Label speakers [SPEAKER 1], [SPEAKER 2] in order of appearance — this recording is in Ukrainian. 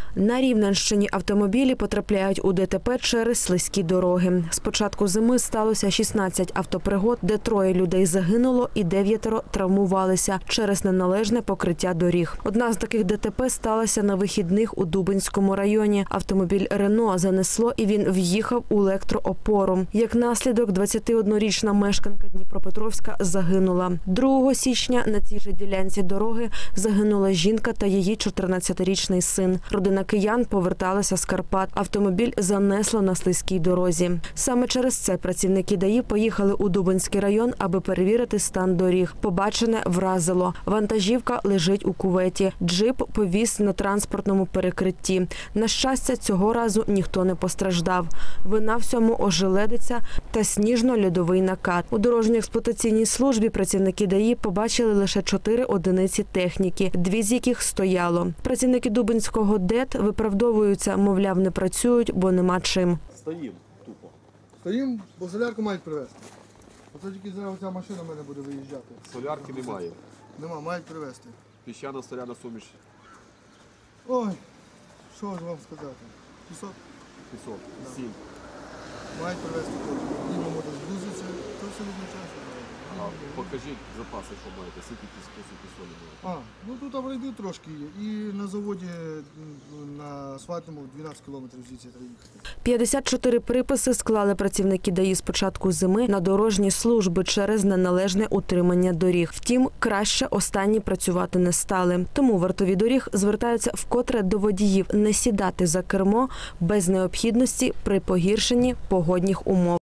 [SPEAKER 1] На Рівненщині автомобілі потрапляють у ДТП через слизькі дороги. З початку зими сталося 16 автопригод, де 3 людей загинуло і 9 травмувалися через неналежне покриття доріг. Одна з таких ДТП сталася на вихідних у Дубенському районі. Автомобіль «Рено» занесло і він в'їхав у електроопору. Як наслідок, 21-річна мешканка Дніпропетровська загинула. 2 січня на цій же ділянці дороги загинула жінка та її 14-річний син. Родина киян поверталася з Карпат. Автомобіль занесло на слизькій дорозі. Саме через це працівники ДАІ поїхали у Дубенський район, аби перевірити стан доріг. Побачене вразило. Вантажівка лежить у кюветі. Джип повіз на транспортному перекритті. На щастя, цього разу ніхто не постраждав. Вина всьому ожеледиця та сніжно-льодовий накат. У дорожньо-експлуатаційній службі працівники ДАІ побачили лише 4 одиниці техніки, 2 з яких стояло. Працівники Дубенського ДЕТ виправдовуються, мовляв, не працюють, бо нема чим.
[SPEAKER 2] Стоїмо тупо.
[SPEAKER 3] Стоїмо, бо солярку мають привезти. Оце тільки зараз ця машина в мене буде виїжджати.
[SPEAKER 2] Солярки немає.
[SPEAKER 3] Нема, мають привезти.
[SPEAKER 2] Піщана соляна суміш.
[SPEAKER 3] Ой, що ж вам сказати? Пісок
[SPEAKER 2] Пісок. Сіль.
[SPEAKER 3] мають привезти. Діма може зблизитися, то все відзначається.
[SPEAKER 2] А покажіть запаси, що маєте. Скільки піску, скільки солі маєте.
[SPEAKER 3] Ну тут аварійний трошки є. І на заводі на асфальтному 12 кілометрів звідси треба їхати.
[SPEAKER 1] 54 приписи склали працівники ДАІ з початку зими на дорожні служби через неналежне утримання доріг. Втім, краще останні працювати не стали. Тому вартові доріг звертаються вкотре до водіїв не сідати за кермо без необхідності при погіршенні погодних умов.